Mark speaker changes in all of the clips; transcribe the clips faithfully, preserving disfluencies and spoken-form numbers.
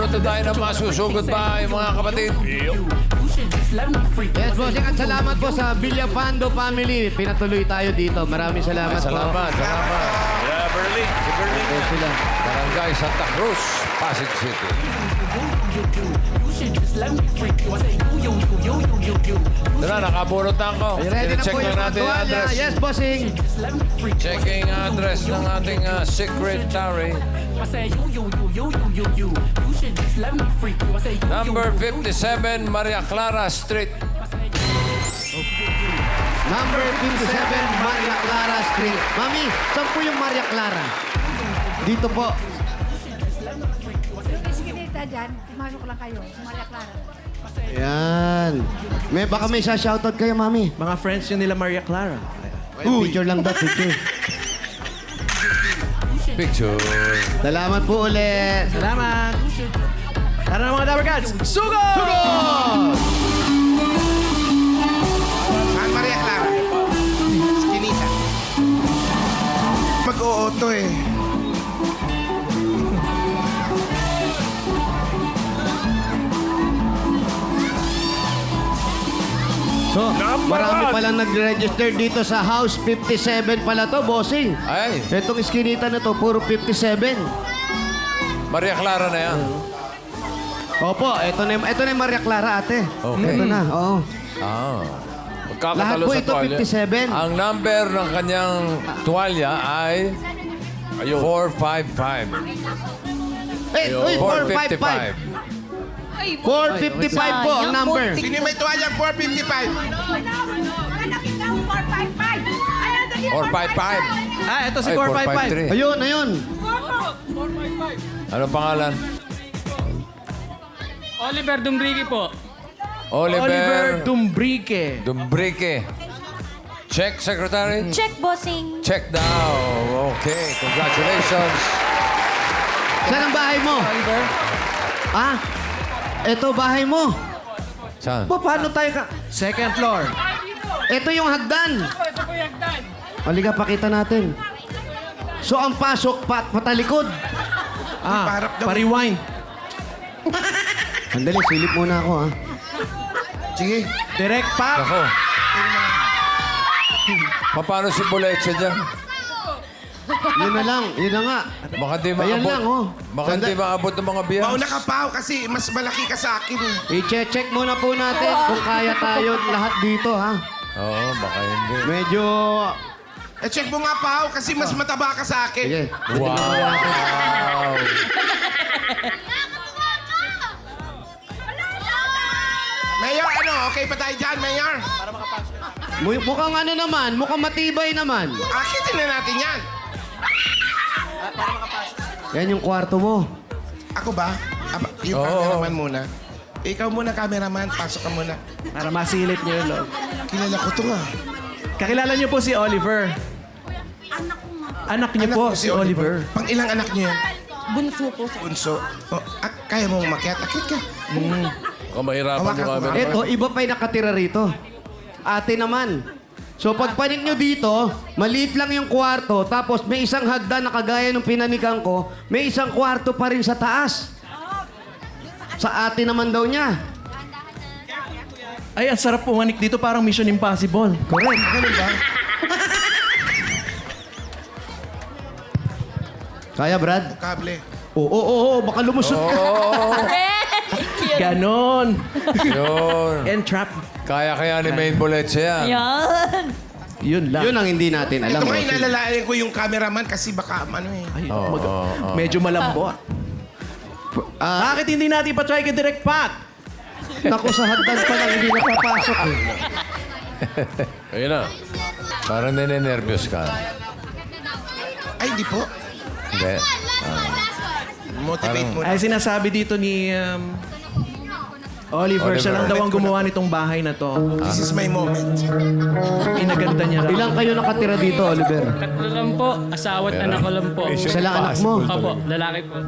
Speaker 1: Ito tayo na masusugod pa, mga kapatid.
Speaker 2: Yes, bossing. At salamat po sa Villapando family. Pinatuloy tayo dito. Maraming salamat,
Speaker 1: Salamat,
Speaker 2: po.
Speaker 1: salamat.
Speaker 3: Yeah, Berlin. Si Berlin.
Speaker 2: Yes, sila.
Speaker 1: Barangay Santa Cruz, Pasig City. Tara, nakabunot na ako.
Speaker 2: Ay, ready na
Speaker 1: Check
Speaker 2: po
Speaker 1: na
Speaker 2: yung mga
Speaker 1: natin yung
Speaker 2: tuwalya.
Speaker 1: address.
Speaker 2: Yes, bossing.
Speaker 1: Checking address ng ating uh, secretary. Number fifty-seven, Maria Clara Street.
Speaker 2: Number fifty-seven, Maria Clara Street. Mami, saan po yung Maria Clara? Dito po.
Speaker 4: Sige dito dyan, pumasok lang kayo. Maria Clara.
Speaker 2: Yan. May, baka may shoutout kayo, Mami.
Speaker 5: Mga friends yun nila Maria Clara.
Speaker 2: Picture lang daw, picture.
Speaker 1: Picture.
Speaker 2: Salamat po ulit.
Speaker 5: Salamat! Tara na mga Dabber Cats! Sugo!
Speaker 6: Saan Maria Clara? Skinita. Mag-o-auto eh.
Speaker 2: So, marami palang nag-register dito sa House fifty-seven pala to, bossing.
Speaker 1: Ay,
Speaker 2: Itong iskinita na to, puro fifty-seven.
Speaker 1: Maria Clara na yan.
Speaker 2: Opo, ito na, ito na yung Maria Clara, ate.
Speaker 1: Okay.
Speaker 2: Ito na, oo.
Speaker 1: Ah.
Speaker 2: Lahat
Speaker 1: Magkakatalo
Speaker 2: po
Speaker 1: sa
Speaker 2: ito,
Speaker 1: tuwalya.
Speaker 2: fifty-seven.
Speaker 1: Ang number ng kanyang tuwalya ay four five five.
Speaker 2: Eh, uy, four five five. four fifty-five po ang number.
Speaker 6: Sino yung may tuwalyang four fifty-five?
Speaker 1: four five five.
Speaker 5: Ah, ito si
Speaker 1: Ay,
Speaker 5: four five five.
Speaker 1: four five three.
Speaker 2: Ayun, ayun.
Speaker 1: Ano pangalan?
Speaker 7: Oliver Dumbrigi po.
Speaker 1: Oliver,
Speaker 5: Oliver Dumbrique.
Speaker 1: Dumbrique. Check, Secretary.
Speaker 4: Check, bossing.
Speaker 1: Check daw. Okay, congratulations.
Speaker 2: Saan ang bahay mo?
Speaker 5: Oliver?
Speaker 2: Ah, ito bahay mo.
Speaker 1: Saan?
Speaker 2: Pa, paano tayo ka?
Speaker 5: Second floor.
Speaker 2: Ito yung hagdan.
Speaker 7: Ito po yung hagdan.
Speaker 2: Halika, pakita natin. So, ang pasok, pat patalikod.
Speaker 5: Ah,
Speaker 6: Paharap daw.
Speaker 5: pa-rewind.
Speaker 2: Sandali, silip muna ako, ha?
Speaker 6: Sige.
Speaker 5: Direct pa.
Speaker 1: Ako. Paano si Boleche dyan?
Speaker 2: Yun na lang, yun na nga.
Speaker 1: Baka di
Speaker 2: Ayan
Speaker 1: maabot.
Speaker 2: lang, oh.
Speaker 1: Baka di maabot ng mga biyas.
Speaker 6: Mauna ka pa kasi mas malaki ka sa akin eh.
Speaker 2: I-check muna po natin kung kaya tayo lahat dito, ha?
Speaker 1: Oo, baka hindi.
Speaker 2: Medyo...
Speaker 6: Eh, check mo nga pa kasi mas mataba ka sa akin.
Speaker 2: Sige.
Speaker 1: Wow!
Speaker 6: Mayor, ano? Okay pa tayo dyan, Mayor?
Speaker 2: Mu- Mukhang ano naman, mukhang matibay naman.
Speaker 6: Akitin na natin yan.
Speaker 2: Yan yung kwarto mo.
Speaker 6: Ako ba? Aba, yung
Speaker 1: Oo.
Speaker 6: cameraman muna. Ikaw muna, cameraman. Pasok ka muna.
Speaker 5: Para masilip niyo yung loob.
Speaker 6: Kilala ko to nga.
Speaker 5: Kakilala niyo po si Oliver. Anak niyo
Speaker 6: Anak
Speaker 5: po
Speaker 6: ko
Speaker 5: si Oliver.
Speaker 6: Pang ilang anak niyo yan?
Speaker 4: Bunso po.
Speaker 6: Bunso. Oh, ah, kaya mong umakyat? Akit ka.
Speaker 1: Kung mahirapan
Speaker 6: Hawakan
Speaker 1: yung
Speaker 6: ko
Speaker 1: kami.
Speaker 6: nga.
Speaker 2: Eto, iba pa yung nakatira rito. Ate naman. So pag panik nyo dito, maliit lang yung kwarto, tapos may isang hagdan na kagaya ng pinanigang ko, may isang kwarto pa rin sa taas. Sa ate naman daw niya.
Speaker 5: Ay, ang sarap pumanik dito. Parang Mission Impossible.
Speaker 2: Correct.
Speaker 6: Ganun ba?
Speaker 2: Kaya, Brad?
Speaker 6: Kable.
Speaker 2: Oo, oo, oo. Baka lumusot ka.
Speaker 1: Oo,
Speaker 5: Ganon.
Speaker 1: yun.
Speaker 5: Entrap.
Speaker 1: Kaya kaya ni Main Boleche yan.
Speaker 4: Yan.
Speaker 5: Yun lang.
Speaker 2: Yun ang hindi natin alam.
Speaker 6: Ito nga,
Speaker 2: bossing.
Speaker 6: inalalayan ko yung cameraman kasi baka ano eh.
Speaker 5: Ay,
Speaker 1: Oo,
Speaker 5: mag-
Speaker 1: oo, oo.
Speaker 5: medyo malambot.
Speaker 2: Ah,
Speaker 5: Bakit hindi natin pa-try kay Direct Pat?
Speaker 2: naku, sa hagdan pa lang, hindi napapasok. Eh.
Speaker 1: Ayun na. Parang nene-nervous ka.
Speaker 6: Ay, hindi po.
Speaker 1: Hindi.
Speaker 6: Motivate mo.
Speaker 5: Ay, sinasabi dito ni um, Oliver, siya lang
Speaker 1: Oliver.
Speaker 5: daw ang gumawa nitong bahay na to.
Speaker 6: This is my moment.
Speaker 5: Inaganda niya raw.
Speaker 2: Ilang kayo nakatira dito, Oliver?
Speaker 7: Tatlo lang po. Asawa at anak ko lang po.
Speaker 2: Isa lang anak mo.
Speaker 7: Opo, lalaki po.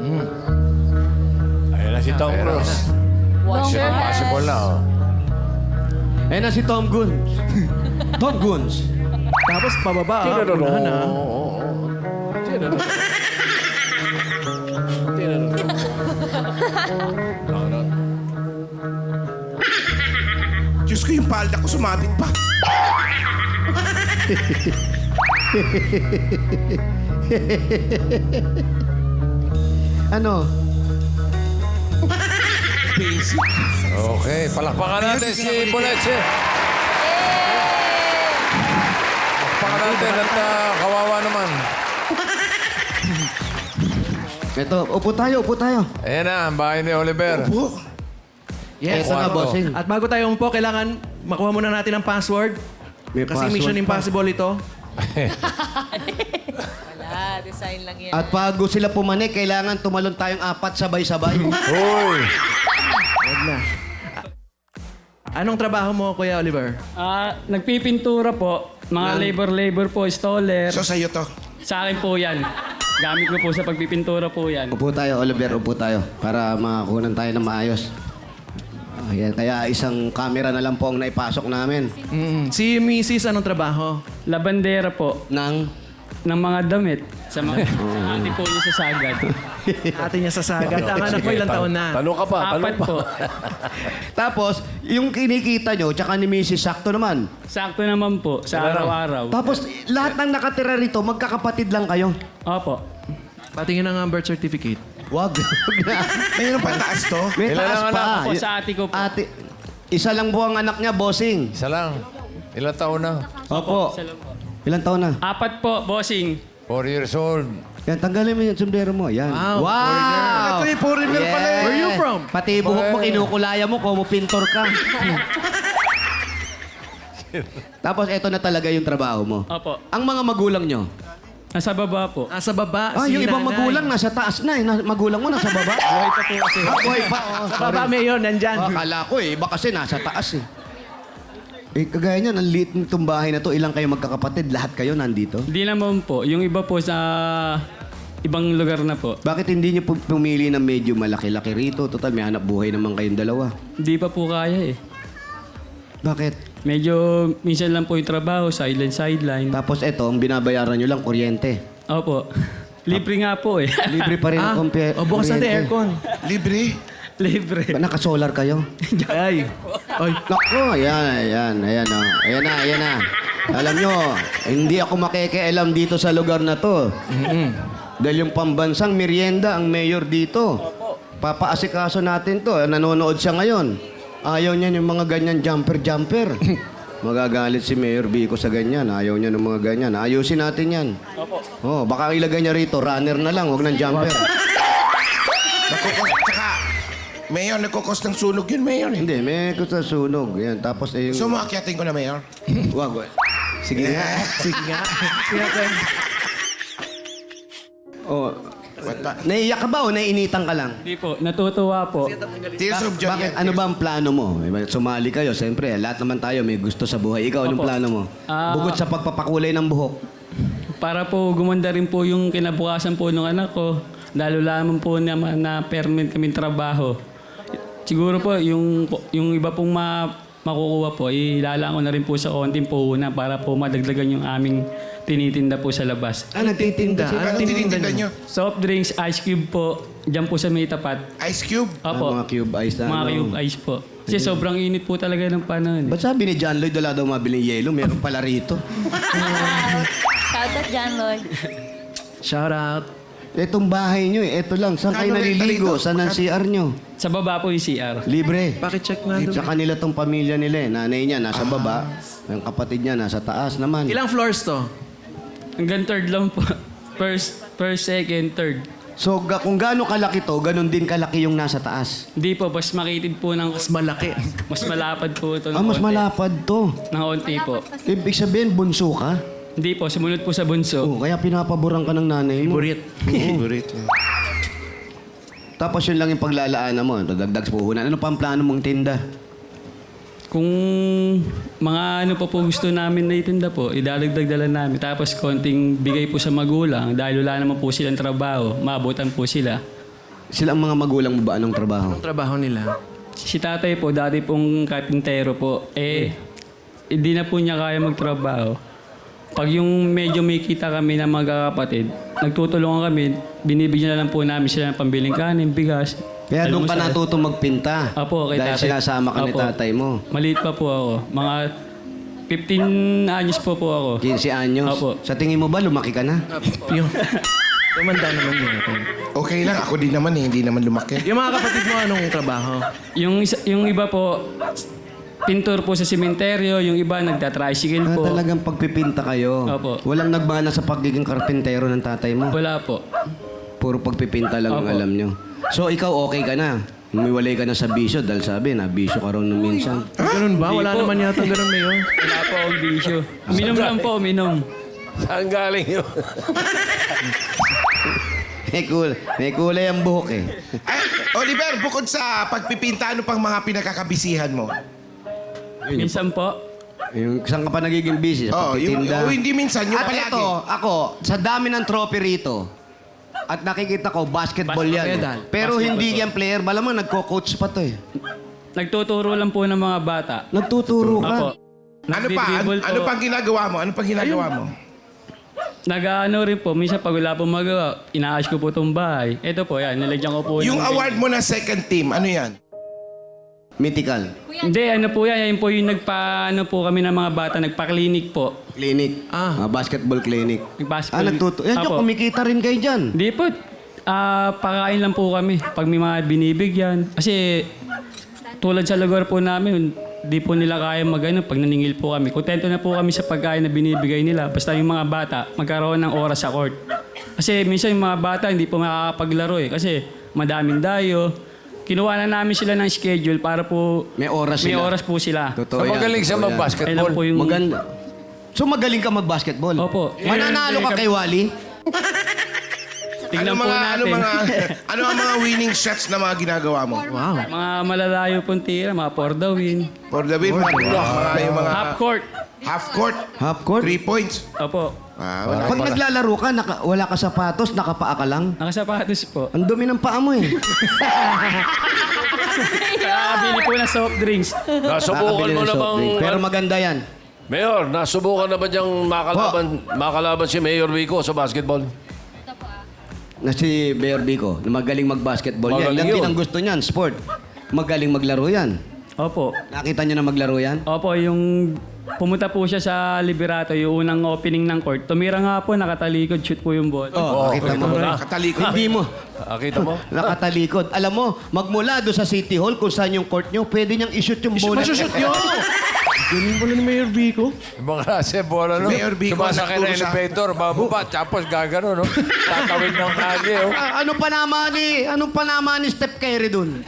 Speaker 3: Ayan na si Tom Cruise.
Speaker 1: Mission Impossible na, oh.
Speaker 2: Ayan na si Tom Guns. Tom Guns.
Speaker 5: Tapos pababa, ah. Unahan, ah.
Speaker 1: Oo, oo, oo.
Speaker 6: Diyos ko, yung palda ko sumabit pa.
Speaker 2: Ano?
Speaker 6: Basic.
Speaker 1: Okay, palakpakan natin si Boleche. Palakpakan natin at ah, kawawa naman.
Speaker 2: Ito, upo tayo, upo tayo.
Speaker 1: Ayan na, ang bahay ni Oliver.
Speaker 6: Po.
Speaker 5: Yes.
Speaker 2: Ito na,
Speaker 1: Kwarto.
Speaker 2: bossing.
Speaker 5: At bago tayo umupo, kailangan makuha muna natin ang password.
Speaker 2: May
Speaker 5: Kasi
Speaker 2: password
Speaker 5: Mission
Speaker 2: pa.
Speaker 5: Impossible ito.
Speaker 8: Wala, design lang yan.
Speaker 2: At bago sila pumanik, kailangan tumalon tayong apat sabay-sabay.
Speaker 1: Uy!
Speaker 5: Huwag na. Anong trabaho mo, Kuya Oliver?
Speaker 7: Ah, nagpipintura po. Mga labor-labor po, installer.
Speaker 6: So, sa'yo to.
Speaker 7: Sa akin po yan. Gamit ko po sa pagpipintura po yan.
Speaker 2: Upo tayo, Oliver, upo tayo. Para makakunan tayo ng maayos. Ayan, kaya isang camera na lang po ang naipasok namin.
Speaker 5: Mm. Si Missus anong trabaho?
Speaker 7: Labandera po
Speaker 2: Nang,
Speaker 7: ng mga damit. Sa mga ate po niyo sa sagad.
Speaker 5: Ate niya sa sagat. Ang anak mo ilang taon na?
Speaker 3: Tanong ka pa, tanong
Speaker 7: Apat
Speaker 3: pa.
Speaker 7: po.
Speaker 2: tapos, yung kinikita nyo, tsaka ni Missus sakto naman.
Speaker 7: Sakto naman po sa araw-araw.
Speaker 2: Tapos, lahat ng nakatira rito, magkakapatid lang kayo.
Speaker 7: Opo.
Speaker 5: Patingin ang birth certificate.
Speaker 2: Wag. Wag na.
Speaker 6: Mayroon pa taas to.
Speaker 2: May
Speaker 1: Ilan
Speaker 2: taas
Speaker 1: ang
Speaker 2: pa.
Speaker 1: anak
Speaker 7: Ako sa ate ko po.
Speaker 2: Ate, isa lang po ang anak niya, bossing.
Speaker 1: Isa lang. Ilang taon na?
Speaker 2: Opo.
Speaker 7: Isa lang po.
Speaker 2: Ilang taon na?
Speaker 7: Apat po, bossing.
Speaker 1: Four years old.
Speaker 2: Yan, tanggalin mo yung sombrero mo. Yan.
Speaker 5: Wow,
Speaker 2: Wow!
Speaker 6: Ito yung foreigner pala eh.
Speaker 5: Where you from?
Speaker 2: Pati buhok mo, kinukulaya mo, como pintor ka. Tapos, eto na talaga yung trabaho mo.
Speaker 7: Opo.
Speaker 2: Ang mga magulang nyo.
Speaker 7: Nasa baba po.
Speaker 5: Nasa baba,
Speaker 2: Ah,
Speaker 5: si
Speaker 2: yung ibang
Speaker 5: nanay.
Speaker 2: magulang nasa taas na eh. Na, magulang mo nasa baba. Buhay pa po kasi. Ah, buhay pa. Oh,
Speaker 5: Sa baba, Mayor, nandyan.
Speaker 2: Oh, akala ko eh. Iba kasi nasa taas eh. Eh, kagaya niyan, ang liit nitong bahay na to. Ilang kayo magkakapatid? Lahat kayo nandito?
Speaker 7: Hindi naman po. Yung iba po sa ibang lugar na po.
Speaker 2: Bakit hindi niyo pu- pumili ng medyo malaki-laki rito? Total, may hanap buhay naman kayong dalawa.
Speaker 7: Hindi pa po kaya eh.
Speaker 2: Bakit?
Speaker 7: Medyo minsan lang po yung trabaho, sideline-sideline.
Speaker 2: Tapos eto, ang binabayaran nyo lang, kuryente.
Speaker 7: Opo. Libre nga po eh.
Speaker 2: Libre pa rin ang kompye-
Speaker 5: O, bukas natin
Speaker 2: kuryente.
Speaker 5: aircon.
Speaker 6: Libre.
Speaker 7: Libre.
Speaker 2: Ba, naka-solar kayo?
Speaker 5: Ay. Oy.
Speaker 2: Nako, ayan, ayan, ayan, oh. Ayan na, ayan na. Alam nyo, hindi ako makikialam dito sa lugar na to. Dahil yung pambansang merienda ang mayor dito. Papaasikaso natin to. Nanonood siya ngayon. Ayaw niya yung mga ganyan jumper-jumper. Magagalit si Mayor Vico sa ganyan. Ayaw niya ng mga ganyan. Ayusin natin yan. Opo. Oh, baka ilagay niya rito, runner na lang, wag ng jumper.
Speaker 6: Nagkukos, tsaka, Mayor, nagkukos ng sunog yun, Mayor. eh.
Speaker 2: Hindi, may kusa sunog. Yan, tapos eh,
Speaker 6: So,
Speaker 2: yung...
Speaker 6: maakyatin ko na, Mayor.
Speaker 2: Wag, wag. Sige nga.
Speaker 5: Sige nga. Sige nga.
Speaker 2: Oh,
Speaker 6: What pa?
Speaker 2: naiiyak ka ba o naiinitan ka lang?
Speaker 7: Hindi po. Natutuwa po.
Speaker 6: Tears of joy.
Speaker 2: Bakit?
Speaker 6: yan.
Speaker 2: Ano ba ang plano mo? Eh, Sumali kayo, siyempre. Lahat naman tayo may gusto sa buhay. Ikaw, anong
Speaker 7: Opo.
Speaker 2: plano mo?
Speaker 7: Ah.
Speaker 2: Bukod sa pagpapakulay ng buhok.
Speaker 7: Para po gumanda rin po yung kinabukasan po ng anak ko. Lalo lamang po na, na permanent kaming trabaho. Siguro po, yung, yung iba pong ma, makukuha po, ilalaan ko na rin po sa konting puhunan para po madagdagan yung aming tinitinda po sa labas.
Speaker 2: Ah, nagtitinda.
Speaker 5: Ano
Speaker 6: Anong tinitinda nyo?
Speaker 7: Soft drinks, ice cube po, dyan po sa may tapat.
Speaker 6: Ice cube?
Speaker 2: Ah,
Speaker 7: Opo,
Speaker 2: mga cube ice na.
Speaker 7: mga
Speaker 2: ano.
Speaker 7: cube ice po. Kasi sobrang init po talaga ng panahon. eh.
Speaker 2: Ba't sabi ni John Lloyd, wala daw mabiling yelo? Meron pala rito.
Speaker 8: Shout out, John Lloyd.
Speaker 5: Shout out.
Speaker 2: Itong bahay nyo eh. Ito lang. Saan kayo
Speaker 6: Kano renta
Speaker 2: naliligo?
Speaker 6: rito?
Speaker 2: Saan ang C R nyo?
Speaker 7: Sa baba po yung C R.
Speaker 2: Libre.
Speaker 5: Pakicheck nga doon.
Speaker 2: Sa kanila tong pamilya nila eh. Nanay niya nasa baba. Yung kapatid niya nasa taas naman.
Speaker 5: Ilang floors to?
Speaker 7: Hanggang third lang po. First, first, second, third.
Speaker 2: So ga- kung gaano kalaki to, ganun din kalaki yung nasa taas.
Speaker 7: Hindi po, mas makitid po ng...
Speaker 5: Mas malaki.
Speaker 7: Mas malapad po ito ng
Speaker 2: Ah, mas
Speaker 7: konti.
Speaker 2: malapad to.
Speaker 7: Ng konti po.
Speaker 2: Ibig sabihin, bunso ka?
Speaker 7: Hindi po, sumunod po sa bunso.
Speaker 2: Oh, kaya pinapaboran ka ng nanay mo.
Speaker 5: Burit.
Speaker 6: Burit.
Speaker 2: Tapos yun lang yung paglalaanan mo. Dagdag sa puhunan. Ano pa ang plano mong tinda?
Speaker 7: Kung mga ano pa po gusto namin na itinda po, idadagdag dala namin. Tapos konting bigay po sa magulang dahil wala naman po silang trabaho. Maabutan po sila.
Speaker 2: Sila ang mga magulang mo ba? Anong trabaho?
Speaker 5: Ang trabaho nila.
Speaker 7: Si tatay po, dati pong kapintero po, eh, hindi na po niya kaya magtrabaho. pag yung medyo may kita kami ng magkakapatid, nagtutulungan kami, binibigyan na lang po namin sila ng pambiling kanin, bigas.
Speaker 2: Kaya doon ka
Speaker 7: almusal.
Speaker 2: natuto magpinta.
Speaker 7: Apo, kay
Speaker 2: Dahil
Speaker 7: tatay.
Speaker 2: sinasama ka ni
Speaker 7: Apo.
Speaker 2: tatay mo.
Speaker 7: Maliit pa po ako. Mga fifteen anyos po po ako.
Speaker 2: quince anyos.
Speaker 7: Opo.
Speaker 2: Sa tingin mo ba, lumaki ka na?
Speaker 5: Yung, tumanda naman yun.
Speaker 6: Okay lang, ako din naman eh, hindi naman lumaki.
Speaker 5: Yung mga kapatid mo, anong trabaho?
Speaker 7: Yung, isa, yung iba po, pintor po sa sementeryo. Yung iba, nagda-tricycle
Speaker 2: Ah,
Speaker 7: po.
Speaker 2: talagang pagpipinta kayo.
Speaker 7: Opo.
Speaker 2: Walang nagmana sa pagiging karpentero ng tatay mo.
Speaker 7: Wala po.
Speaker 2: Puro pagpipinta lang ang
Speaker 7: Opo.
Speaker 2: alam nyo. So, ikaw okay ka na? Umiwalay ka na sa bisyo dahil sabi na bisyo ka rin nung minsan.
Speaker 5: Ganun ba?
Speaker 7: Hindi
Speaker 5: Wala
Speaker 7: po.
Speaker 5: naman yata ganun, Mayor.
Speaker 7: Wala po akong bisyo. Minom lang po, minom.
Speaker 1: Saan galing yun?
Speaker 2: May, kul may kulay ang buhok eh.
Speaker 6: Ay, Oliver, bukod sa pagpipinta, ano pang mga pinakakabisihan mo?
Speaker 7: Minsan po,
Speaker 2: Yung, saan ka pa nagiging busy? Sa
Speaker 6: Oh, yung,
Speaker 2: pagtitinda?
Speaker 6: oh, hindi minsan, yung
Speaker 2: At
Speaker 6: palagi.
Speaker 2: ito, ako, sa dami ng trophy rito, at nakikita ko, basketball yan.
Speaker 7: Basketball.
Speaker 2: eh. Pero
Speaker 7: Basketball
Speaker 2: hindi
Speaker 7: po.
Speaker 2: yan player. Malamang nagko-coach pa to eh.
Speaker 7: nagtuturo lang po ng mga bata.
Speaker 2: Nagtuturo ka.
Speaker 7: Apo.
Speaker 6: Ano pa? Ano,
Speaker 7: Nagdi-dribble
Speaker 6: ano
Speaker 7: po.
Speaker 6: pang ginagawa mo? Ano pang ginagawa mo?
Speaker 7: Nag-ano rin po, minsan pag wala pong magawa, inaayos ko po itong bahay. Ito po, yan, nilagyan ko po.
Speaker 6: Yung
Speaker 7: ng-
Speaker 6: award mo na second team, ano yan?
Speaker 2: Mythical.
Speaker 7: Hindi, ano po yan, yan po yung nagpa, ano po kami ng mga bata, nagpa-clinic po.
Speaker 2: Clinic.
Speaker 5: Ah.
Speaker 2: Ah, basketball clinic.
Speaker 7: Nag-basketball.
Speaker 2: Ah, nagtuto. Yan,
Speaker 7: Apo.
Speaker 2: yung kumikita rin kayo dyan.
Speaker 7: Hindi po, ah, pakain lang po kami pag may mga binibigyan. Kasi tulad sa lugar po namin, di po nila kaya mag-ano pag naningil po kami. Kontento na po kami sa pagkain na binibigay nila. Basta yung mga bata, magkaroon ng oras sa court. Kasi minsan yung mga bata hindi po makakapaglaro eh. Kasi madaming dayo. Kinuha na namin sila ng schedule para po
Speaker 2: May oras
Speaker 7: may
Speaker 2: sila.
Speaker 7: oras po sila.
Speaker 2: Totoo
Speaker 1: So,
Speaker 2: yan,
Speaker 1: magaling siya
Speaker 2: totoo yan.
Speaker 7: Kailan
Speaker 1: mag-basketball.
Speaker 7: po yung...
Speaker 2: Maganda. So magaling ka mag-basketball?
Speaker 7: Opo.
Speaker 2: Mananalo ka kay Wally?
Speaker 7: Tingnan
Speaker 6: ano
Speaker 7: po
Speaker 6: mga,
Speaker 7: natin.
Speaker 6: Ano, mga, ano ang mga winning shots na mga ginagawa mo?
Speaker 5: Wow.
Speaker 7: mga malalayo pong tira, mga for the win.
Speaker 6: For the win, mga, mga, yung mga
Speaker 7: Half court.
Speaker 6: half court,
Speaker 2: Half court?
Speaker 6: three points.
Speaker 7: Opo.
Speaker 6: Ah, wala.
Speaker 2: Pag naglalaro ka, naka, wala ka sapatos, nakapaa ka lang.
Speaker 7: Nakasapatos po.
Speaker 2: Ang dumi ng paa mo eh.
Speaker 7: Nakakabili po ng soft drinks.
Speaker 1: Nasubukan
Speaker 2: Nakakabili
Speaker 1: mo
Speaker 2: ng soft
Speaker 1: namang...
Speaker 2: drink. Pero maganda yan.
Speaker 1: Mayor, nasubukan na ba niyang makalaban, makalaban si Mayor Vico sa basketball?
Speaker 2: Na si Mayor Bico, na magaling mag-basketball. Yan,
Speaker 1: Magaling
Speaker 2: yan din
Speaker 1: yun.
Speaker 2: ang gusto niyan, sport. Magaling maglaro yan.
Speaker 7: Opo.
Speaker 2: Nakita niyo na maglaro yan?
Speaker 7: Opo, yung pumunta po siya sa Liberato, yung unang opening ng court. Tumira nga po, nakatalikod, shoot po yung ball.
Speaker 2: Oh, nakita mo.
Speaker 1: na.
Speaker 6: Katalikod.
Speaker 2: Hindi mo.
Speaker 1: Ah, kita mo?
Speaker 2: Nakatalikod. Alam mo, magmula doon sa City Hall, kung saan yung court niyo, pwede niyang i-shoot yung bola.
Speaker 5: Masushoot yun! Ganun pala ni Mayor Vico.
Speaker 1: Yung mga nasa bola, no?
Speaker 6: Mayor Vico,
Speaker 1: Sumasakay na
Speaker 6: nagturo sa-
Speaker 1: elevator, bababa, tapos gagano, no? Tatawid ng kage, oh.
Speaker 2: Ah, ano pa naman ni, ano pa naman ni Steph Curry doon?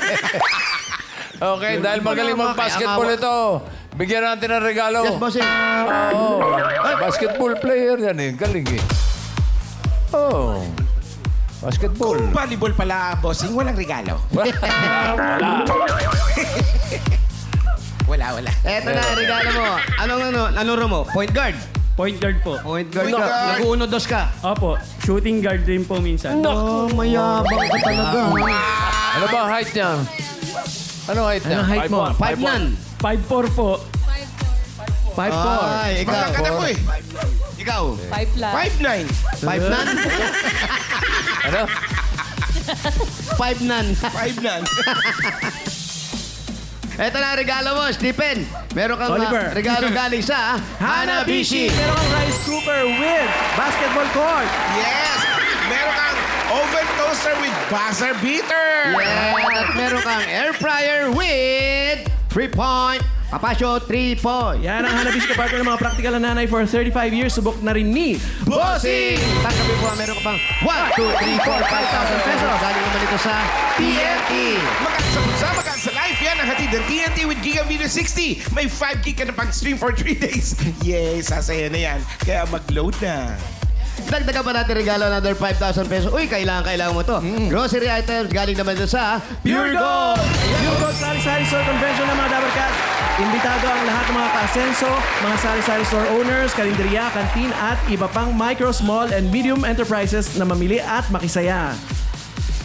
Speaker 1: Okay, dahil magaling
Speaker 2: Wala,
Speaker 1: mag-basketball
Speaker 2: kaya
Speaker 1: ito, bigyan natin ng regalo.
Speaker 2: Yes, bossing.
Speaker 1: Oh, basketball player yan eh. Galing eh. Oh. Basketball.
Speaker 6: Kung volleyball pala, bossing, walang regalo. Wala, wala.
Speaker 2: Eto na, regalo mo. Anong ano, ano ro mo? Point guard.
Speaker 7: Point guard po.
Speaker 2: Point guard
Speaker 6: Point
Speaker 2: ka.
Speaker 6: guard.
Speaker 2: Nag-uno dos ka.
Speaker 7: Opo, shooting guard din po minsan.
Speaker 2: Oh, mayabang ka talaga.
Speaker 1: Ano ba ang height niya? Ano height niya?
Speaker 5: Anong height mo?
Speaker 2: Five nan.
Speaker 7: five four po.
Speaker 5: five four.
Speaker 2: Ay, ikaw.
Speaker 6: Magkakad ako eh.
Speaker 2: Ikaw.
Speaker 8: Five plus.
Speaker 6: five nine.
Speaker 2: Five nan.
Speaker 1: Ano?
Speaker 2: Five nan.
Speaker 6: five nine.
Speaker 2: Eto na, regalo mo, Stephen. Meron kang
Speaker 5: Oliver.
Speaker 2: ah, regalo galing sa Hanabishi.
Speaker 5: Meron kang rice cooker with basketball court.
Speaker 6: Yes! Meron kang oven toaster with buzzer beater.
Speaker 2: Yeah, at meron kang air fryer with three point. Papasyo, three point.
Speaker 5: Yan ang Hanabishi kapartner ng mga practical na nanay for thirty-five years. Subok na rin ni
Speaker 2: Bossing! Tanggapin po, meron ka pang one, two, three, four, five thousand pesos. Galing naman ito sa T N T.
Speaker 6: Magaan sa bulsa, magaan sa life. Yan ang hatid ng T N T with Giga Video sixty. May five gig ka na pang stream for three days. Yay, sasaya na yan. Kaya mag-load na.
Speaker 2: Dagdagan pa natin regalo another five thousand pesos. Uy, kailangan, kailangan mo to. Grocery items, galing naman ito sa
Speaker 5: Pure Gold! Pure Gold Sari-Sari Store Convention ng mga Dabber Cats. Imbitado ang lahat ng mga ka-asenso, mga sari-sari store owners, karinderya, kantin at iba pang micro, small, and medium enterprises na mamili at makisaya.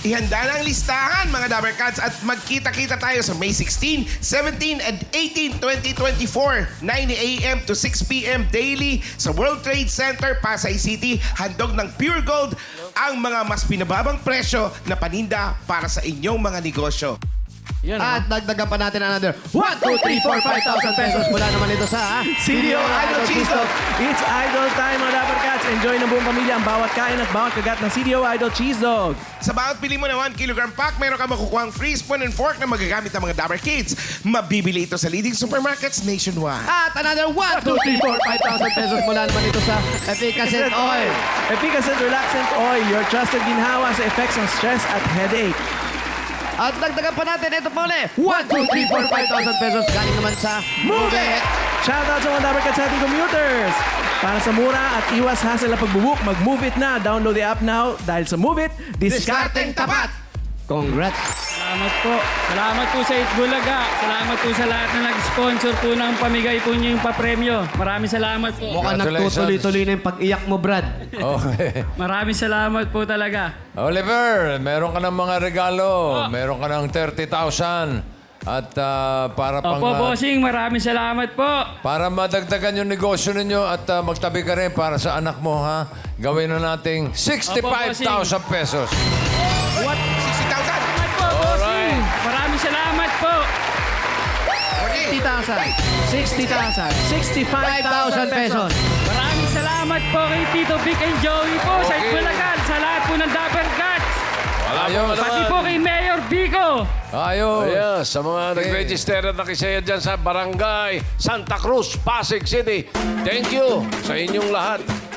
Speaker 6: Ihanda na ang listahan, mga Dabber Cats, at magkita-kita tayo sa May sixteen, seventeen, and eighteen, twenty twenty-four, nine a m to six p m daily sa World Trade Center, Pasay City. Handog ng Pure Gold ang mga mas pinababang presyo na paninda para sa inyong mga negosyo.
Speaker 5: Yan,
Speaker 2: At dagdagan pa natin another one, two, three, four, five thousand pesos mula naman ito sa
Speaker 5: C D O Idol Cheese Dog. It's Idol time, mga Dapper Cats. Enjoy ng buong pamilya ang bawat kain at bawat kagat ng C D O Idol Cheese Dog.
Speaker 6: Sa bawat pili mo na one kilogram pack, meron ka makukuha ang free spoon and fork na magagamit ng mga Dabber Kids. Mabibili ito sa leading supermarkets nationwide.
Speaker 2: At another one, two, three, four, five thousand pesos mula naman ito sa Efficacent Oil.
Speaker 5: Efficacent Relaxant Oil, your trusted ginhawa sa effects ng stress at headache.
Speaker 2: At dagdagan pa natin ito pa ulit. one, two, three, four, five thousand pesos galing naman sa Move It!
Speaker 5: Shoutout sa mga Dabber Cats sa ating commuters. Para sa mura at iwas hassle na pagbubook, mag-Move It na. Download the app now dahil sa Move It, diskarteng tapat.
Speaker 2: Congrats!
Speaker 7: Salamat po. Salamat po sa Itbulaga. Salamat po sa lahat na nag-sponsor po ng pamigay po niyo yung papremyo. Maraming salamat po.
Speaker 2: Mukhang
Speaker 1: Congratulations.
Speaker 2: nagtutuloy-tuloy na yung pag-iyak mo, Brad.
Speaker 1: Okay.
Speaker 7: Maraming salamat po talaga.
Speaker 1: Oliver, meron ka ng mga regalo. Meron ka ng thirty thousand. At ah, para pang...
Speaker 7: Opo,
Speaker 1: ah,
Speaker 7: bossing, maraming salamat po.
Speaker 1: para madagdagan yung negosyo ninyo at ah, magtabi ka rin para sa anak mo, ha? Gawin na nating sixty-five thousand pesos.
Speaker 6: What? sixty thousand?
Speaker 7: Salamat po, bossing. Maraming salamat po.
Speaker 5: fifty thousand, sixty thousand, sixty-five thousand pesos.
Speaker 7: Maraming salamat po kay Tito Vic and Joey po sa
Speaker 1: Okay.
Speaker 7: Itbulaga. Sa lahat po ng Dapper Cats.
Speaker 1: Ayos.
Speaker 7: Pati po kay Mayor Vico.
Speaker 1: Ayos.
Speaker 9: Ayan, sa mga nag-register at nakisaya dyan sa Barangay Santa Cruz, Pasig City. Thank you sa inyong lahat.